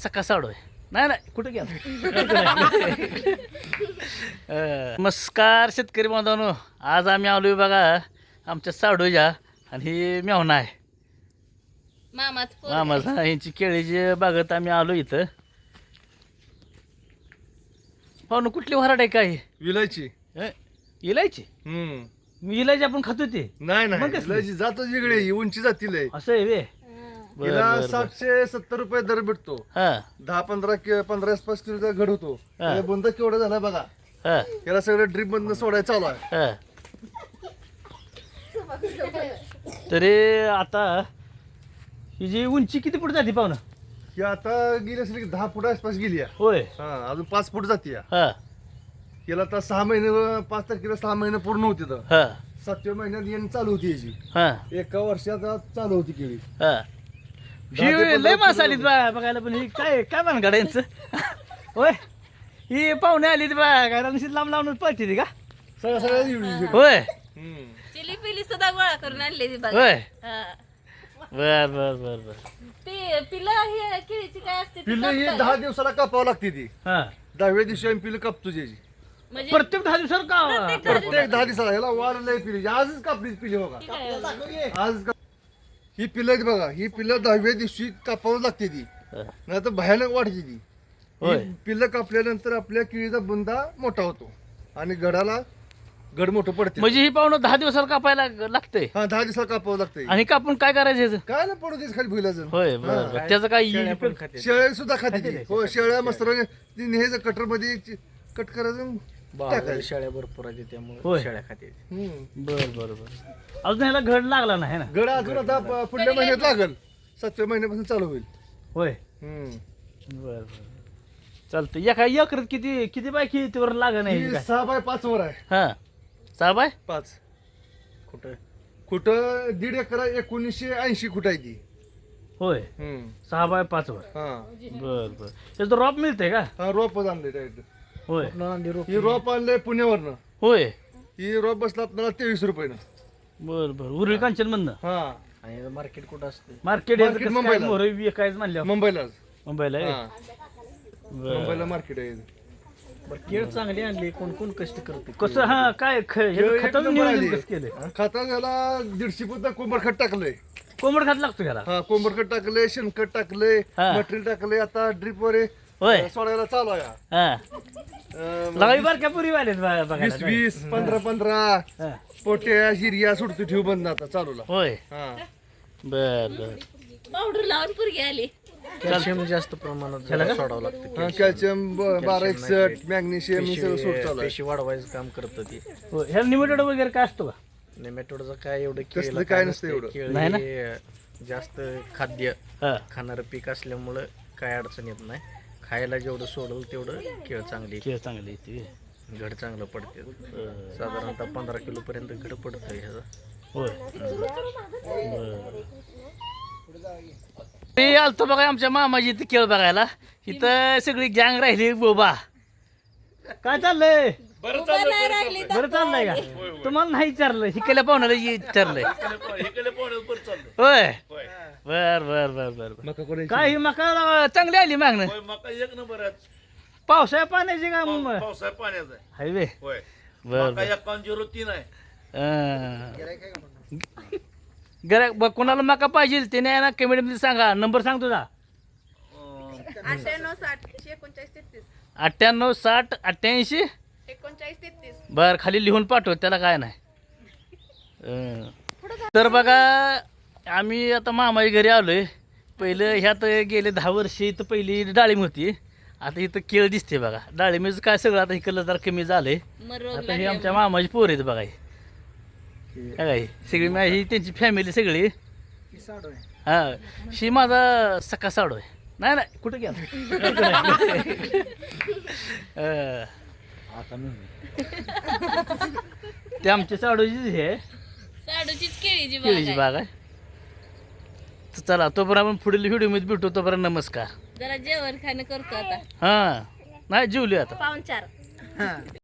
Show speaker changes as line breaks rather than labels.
सका साडू आहे. नाही नाही कुठं गेला नमस्कार शेतकरी बांधवांनो, आज आम्ही आलोय बघा आमच्या साडूच्या, आणि ही मेवणा आहे मामाचा. यांची केळीची बागत आम्ही आलो इथं. पाहुणं कुठली वराड आहे काय?
विलायची.
इलायची. इलायची आपण खातो ते
नाही
मग
नाही
कसली?
विलायची जातच वेगळी आहे, उंची जातील आहे.
असं आहे वे. बर,
हिला
बर, बर.
770 रुपये दर भेटतो.
हा
10-15 आसपास किलोचा घड होतो.
हा.
बुंदा केवढा झाला बघा.
हा
याला सगळं ड्रीप मधनं सोडायला चालू आहे.
हा. तरी आता ही जी उंची किती फूट जाते पाहुणं?
ही आता गेली असेल की 10 फूट आसपास गेली आहे.
होय.
हा अजून 5 फूट जाते.
हा
याला आता 6 महिने 5 तारखेला 6 महिने पूर्ण होते. तर
हा
7व्या महिन्यात येणं चालू होती याची.
हा
एका वर्षात चालू होती केळी.
हा.
10 ते 15
लय मास
किलो
आलीत बघायला, पण ही काय काय भानगड यांचं होय. ही पाहुणे आली बघायला, निश्चित लांब लांबून पळते ती का?
सगळ्या एवढी.
होय
चिली पिली सुद्धा गोळा करून आणली ती बघा.
होय.
हा.
बर बर बर बर.
ती पिलं हे केळीची काय असते ती
पिल्लं ही
कापतात.
10 दिवसाला कापावं लागते ती.
हा
10व्या दिवशी आम्ही पिल्लं कापतो त्याची.
म्हणजे
प्रत्येक 10 दिवसावर का?
प्रत्येक 10 दिवसाला याला वाढ लय पिली. आजच कापलीच पिली बघा.
ती काय?
आज ही पिल्लं आहेत बघा, ही पिल्लं 10व्या दिवशी कापावं लागते ती, नाही तर भयानक वाढते ती.
होय.
ही पिल्लं कापल्यानंतर आपल्या केळीचा बुंदा मोठा होतो आणि गडाला गड मोठं पडते.
म्हणजे ही पाहुणं 10 दिवसावर कापायला लागतंय,
हा 10 दिवसाला कापावं लागतंय.
आणि कापून काय करायचं ह्याचं?
काय ना पडू देच खाली भुईलाचं.
होय बर बर. त्याचं काय
शेळ्या सुद्धा खाते ती. हो शेळ्या मस्तराने ती नेहमीच कटर मध्ये कट करायचं टाकायचं.
शेळ्या भरपूर आहेत त्यामुळे
होय.
शेळ्या खाते.
बर बर बर. अजून ह्याला घड लागला नाही ना?
गड अजून आता पुढल्या महिन्यात लागल. 7व्या महिन्यापासून चालू होईल.
होय. बर बर चालतं. एका एकरात किती किती बाय कितीवर लागा नाही
ही
काय?
6 बाय 5 वर आहे.
हा 6 बाय
5
कुठं
कुठं 1.5 एकर 1980 कुठं आहे ती.
होय. 6 बाय 5 वर.
हा
बर बर. त्याचं रॉप मिळतंय का?
हा रोप आणले डायरेक्ट.
होय
ही रोप आणले पुण्यावरनं.
होय.
ही रोप बसला आपल्याला 23 रुपयानं.
बर बर. उरळी कांचन म्हणणं
हा
आणि मार्केट कुठं असते?
मार्केट
Market मुंबईला.
विकायचं म्हणलं
मुंबईलाच.
मुंबईला आहे?
हा
बर.
मुंबईला मार्केट आहे.
बरं केळ चांगली आणली, कोण कोण कष्ट करते?
कसं हा काय
एक
खताचं
नंबर आली.
नियोजन कसं केलंय?
खाता झाला 150 पोत कोंबड खत टाकलंय.
कोंबड खात लागतो ह्याला?
हा कोंबड खत टाकलंय, शेणखत टाकलंय,
हा.
मटेरियल टाकलंय. आता ड्रिप वर
होय.
सोडायला चालू आहे.
हा लगावी बारक्या पुरी वालेत बघायला.
20-20 15-15
हा.
पोट्या जिरिया सुटतो ठेव बंद आता चालूला.
होय.
हा
बर बर.
पावडर लावून पुरगी आली.
कॅल्शियम जास्त प्रमाणात सोडावं लागतं.
कॅल्शियम 1261 मॅग्नेशियम हे सगळं सोड चालू आहे.
पेशी वाढवायचं काम करतं ती.
होय. ह्याला निमिटेड वगैरे काय असतो का?
नेमॅटोडचं काय एवढं
तसलं
केळीला
काय नसतं एवढं.
केळ
नाही ना?
हे जास्त खाद्य
हा
खाणारं पीक असल्यामुळं काय अडचण येत नाही. खायला जेवढं सोडवलं तेवढं केळ चांगली,
केळ चांगली येते.
घड चांगलं पडते. साधारणतः 15 किलो पर्यंत घड पडतं ह्याचं.
होय. बर. ते आलतो बघा आमच्या मामाजी इथं केळ बघायला. इथं सगळी गँग राहिली बोबा. काय चाललंय?
उभं नाही राहिली तर
बरं चाललंय का? तुम्हाला नाही विचारलं, हिकल्या पाहुण्याला विचारलंय. होय. बर बर बर बर.
मका कोणी
काय ही मका चांगली आली मागणं?
मका एक नंबर
पावसाळ्या पाण्याची का
पावसाळ्या पाण्याचा आहे.
हायवे.
होय
बर
मका 5103 आहे.
बर. कोणाला मका पाहिजे ते नाही ना कमेंटमध्ये सांगा. नंबर सांग तुझा. 98 60 88. बर खाली लिहून पाठव, त्याला काय नाही. तर बघा आम्ही आता मामाच्या घरी आलोय. पहिलं ह्यात गेले 10 वर्ष इथं पहिली डाळिंब होती. आता इथं केळ दिसते बघा. डाळिंबीचं काय सगळं आता इकडलं जरा कमी झालंय.
मग रोग
आता हे आमच्या मामाची पोर आहेत बघा. हे काय सगळी ही त्यांची फॅमिली सगळी. हा शी माझा सका साडू आहे. नाही नाही कुठं गेला ते आमच्या साडूची हे
साडूचीच केळीची बाग
केळीची
आहे.
बाग आहे. तर चला तोपर्यंत आपण पुढील व्हिडिओमध्ये भेटू. तोपर्यंत नमस्कार.
जरा जेवण खाणं करतो आता.
हां नाही जेवली आता.
पाहुणचार.